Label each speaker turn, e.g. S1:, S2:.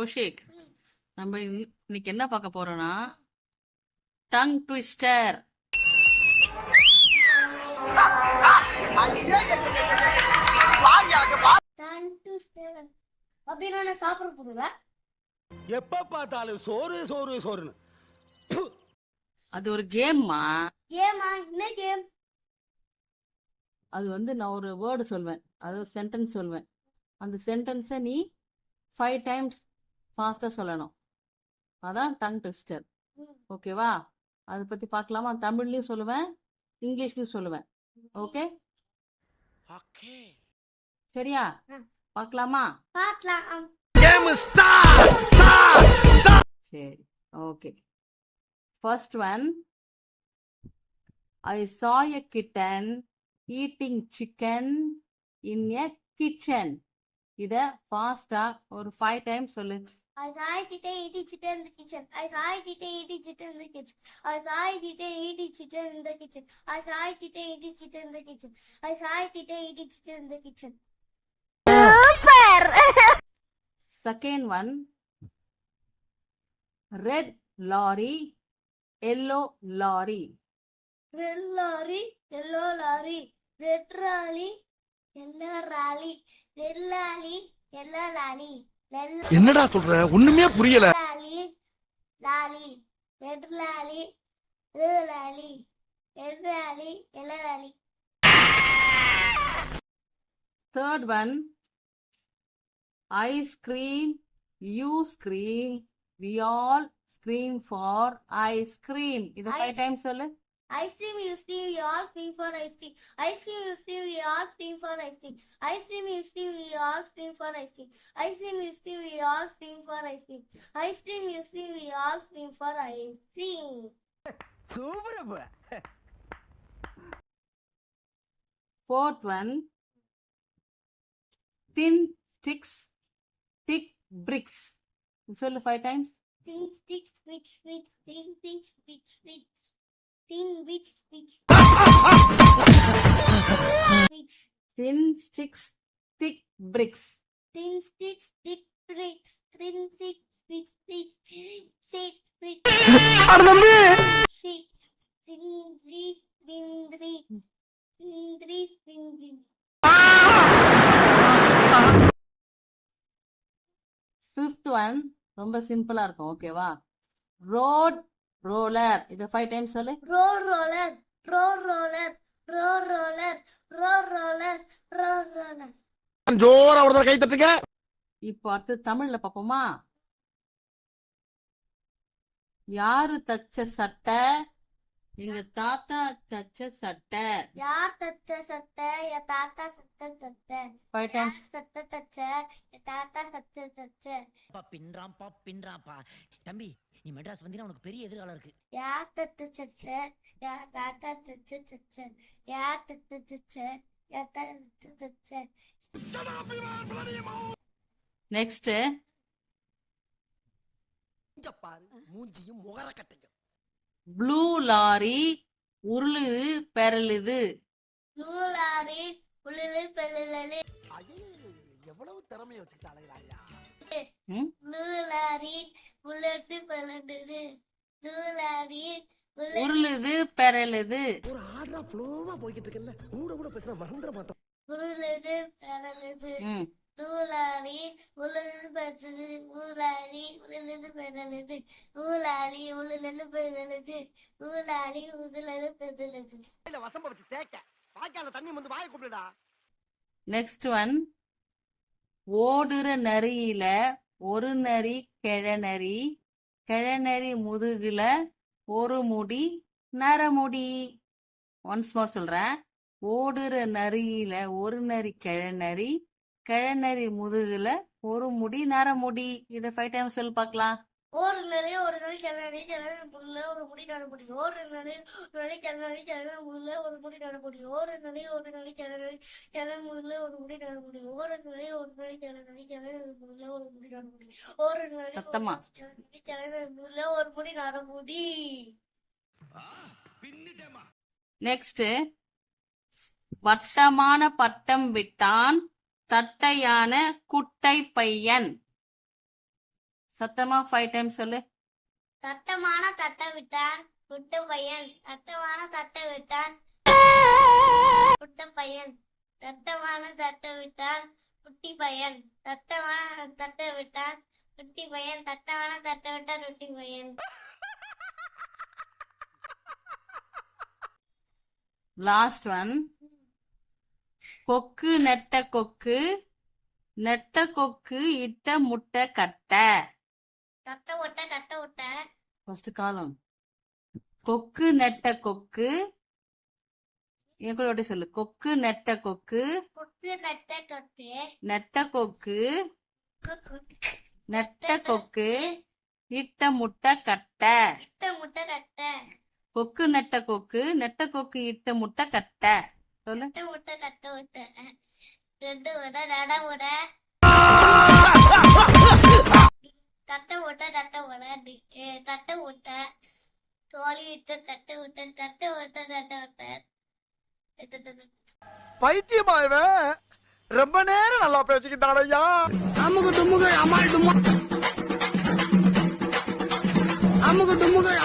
S1: கௌஷிக், நம்ம இன்னைக்கு என்ன பார்க்க போறோம்னா டங் ட்விஸ்டர்.
S2: அப்படின்னு சாப்பிட போடுல
S3: எப்ப பார்த்தாலும் சோறு சோறு சோறுன்னு.
S1: அது ஒரு கேம்மா.
S2: ஏமா என்ன கேம்?
S1: அது நான் ஒரு வேர்டு சொல்வேன், அது ஒரு சென்டென்ஸ் சொல்வேன். அந்த சென்டென்ஸை நீ 5 டைம்ஸ் ஃபாஸ்டா சொல்லணும். அதான் டங் ட்விஸ்டர். ஓகேவா? அதை பத்தி பார்க்கலாமா? தமிழ்லயும் சொல்லுவேன், இங்கிலீஷ்லயும் சொல்லுவேன். ஓகே சரியா? பார்க்கலாமா?
S2: பார்க்கலாம்.
S1: சரி, okay. First one, I saw a kitten eating chicken in a kitchen. இத ஃபாஸ்டா ஒரு 5 டைம்ஸ் சொல்லு.
S2: I saw a kitten eating chicken in the kitchen. I saw a kitten eating chicken in the kitchen. I saw a kitten eating chicken in the kitchen. I saw a kitten eating chicken in the kitchen. I saw a kitten eating chicken in the kitchen.
S1: Second one, red lorry, yellow lorry.
S2: Red lorry, yellow lorry, red rally, yellow rally, red lorry, yellow lorry.
S3: என்னடா சொல்ற? ஒண்ணுமே புரியல.
S2: Lally, lally, red lally, yellow lally, red lally, yellow lally.
S1: Third one, I scream, you scream, we all scream for ice cream. இத 5 times சொல்லு.
S2: Ice cream, you scream, we all scream for ice cream. Ice cream, you scream, we all scream for ice cream. Ice cream, you scream, we all scream for ice cream. Ice cream, you scream, we all scream for ice cream. Ice cream, you scream, we all scream for ice cream.
S3: Super.
S1: Fourth one, thin sticks, thick bricks. சொல்லு 5 times.
S2: Thin sticks, which, thin sticks, which, thin which.
S1: Thin sticks, thick bricks.
S2: Thin sticks, thick bricks, thin sticks, which, thick bricks.
S3: அட தம்பி.
S2: Six, thin bricks, thin bricks, thin bricks, thin bricks.
S1: Fifth one, ரொம்ப சிம்பிளா இருக்கும். ஓகேவா? Road roller. இத 5 times சொல்லு.
S2: Road roller, road roller, road roller, road roller, road roller.
S3: ஜோரா ஒரு தடவை கை தட்டுங்க.
S1: இப்போ அடுத்து தமிழ்ல பாப்போமா? யாரு தச்ச சட்டை? எங்க தாத்தா தச்ச சட்டை.
S2: யார் தச்ச சட்டை? என் தாத்தா சட்டை தச்ச.
S1: 5 டைம்ஸ்.
S2: சட்டை தச்ச, என் தாத்தா சட்டை தச்ச.
S4: பின்றாப்பா தம்பி, நீ மெட்ராஸ் வந்தீங்கன்னா உனக்கு பெரிய எதிர்காலம் இருக்கு.
S2: யார் தச்ச சச்ச? யார் தாத்தா தச்ச சச்ச. யார் தச்ச சச்ச? என் தாத்தா தச்ச.
S1: நெக்ஸ்ட்,
S3: இங்க பாரு, மூஞ்சியும் முகர கட்டையும்.
S1: Blue lorry உருளுது பெரலுது.
S2: நூலாரி உளுது பெருளு.
S3: எவ்வளவு திறமைய வச்சுட்டு அலையறாயா?
S2: நூலாரி உளுது பெருளுது. நூலாரி
S1: உருளுது பெரலுது.
S3: ஒரு ஆர்டரா ஃப்ளோவா போயிட்டு இருக்கல, கூட பேசினா மறந்துட மாட்டோம்.
S2: உளுது பெருளுது.
S1: ம்.
S2: நூலாரி உளுது பெருளுது. நூலாரி உளுது பெருளுது. நூலாரி உளுது பெருளுது. நூலாரி உளுது பெருளுது.
S3: இல்ல வசம்ப வச்சு தேக்க. வாய்க்கால தண்ணி வந்து வாயை கூப்பிடுடா.
S1: நெக்ஸ்ட் ஒன், ஓடுற நரியில ஒரு நரி கிழநரி, கிழநரி முதுகுல ஒரு முடி நரமுடி. ஒன்ஸ் மோர் சொல்றேன். ஓடுற நரியில ஒரு நரி கிழநரி, கிழநரி முதுகுல ஒரு முடி நரமுடி. இத 5 டைம்ஸ் சொல்லி பார்க்கலாம்.
S2: ஒரு நரி கிணறு கிணறு முள்ள ஒரு முடி நடுமுடி. ஒரு நரி கிணறு கிணறு முள்ள ஒரு முடி நடுமுடி. ஒரு நரி கிணறு கிணறு முள்ள ஒரு முடி நடுமுடி. ஒரு நரி கிணறு கிணறு முள்ள ஒரு முடி நடுமுடி. ஒரு நரி
S1: சத்தமா.
S2: கிணறு முள்ள ஒரு முடி நடுமுடி.
S1: நெக்ஸ்ட், வட்டமான பட்டம் விட்டான் தட்டையான குட்டை பையன். சத்தமா 5 டைம்ஸ் சொல்லு.
S2: சட்டமான தட்டை விட்டான் குட்ட பையன். சட்டமான தட்டை விட்டான் குட்ட பையன். சட்டமான தட்டை விட்டான் குட்டி பையன். சட்டமான தட்டை விட்டான் குட்டி பையன். சட்டமான தட்டை விட்டான் குட்டி பையன்.
S1: Last one. கொக்கு நெட்ட கொக்கு, நெட்ட கொக்கு இட்ட முட்டை கட்டை.
S2: தட்டை விட்ட தட்டை விட்ட
S1: ஃபர்ஸ்ட் காலம். கொக்கு நெட்ட கொக்கு, என் கூட ஒட்டி சொல்லு. கொக்கு நெட்ட கொக்கு,
S2: கொக்கு நட்ட கொக்கு
S1: நெட்ட கொக்கு, நெட்ட கொக்கு இட்ட முட்டை கட்டை.
S2: இட்ட முட்டை கட்டை.
S1: கொக்கு நெட்ட கொக்கு, நெட்ட கொக்கு இட்ட முட்டை கட்டை. சொல்லு.
S2: தட்டை விட்ட தட்டை விட்ட ரெண்டு விட நட விட தட்டை விட்ட தட்டை விட தட்டை விட்ட தோழி விட்டு தட்டை விட்ட தட்டை விட்ட தட்டை விட்ட
S3: பைத்தியமா இவன் ரொம்ப நேரம் நல்லா பேசிக்கிட்டான் ஐயா. அமுகு டுமுகு அமால் டுமா அமுகு டுமுகு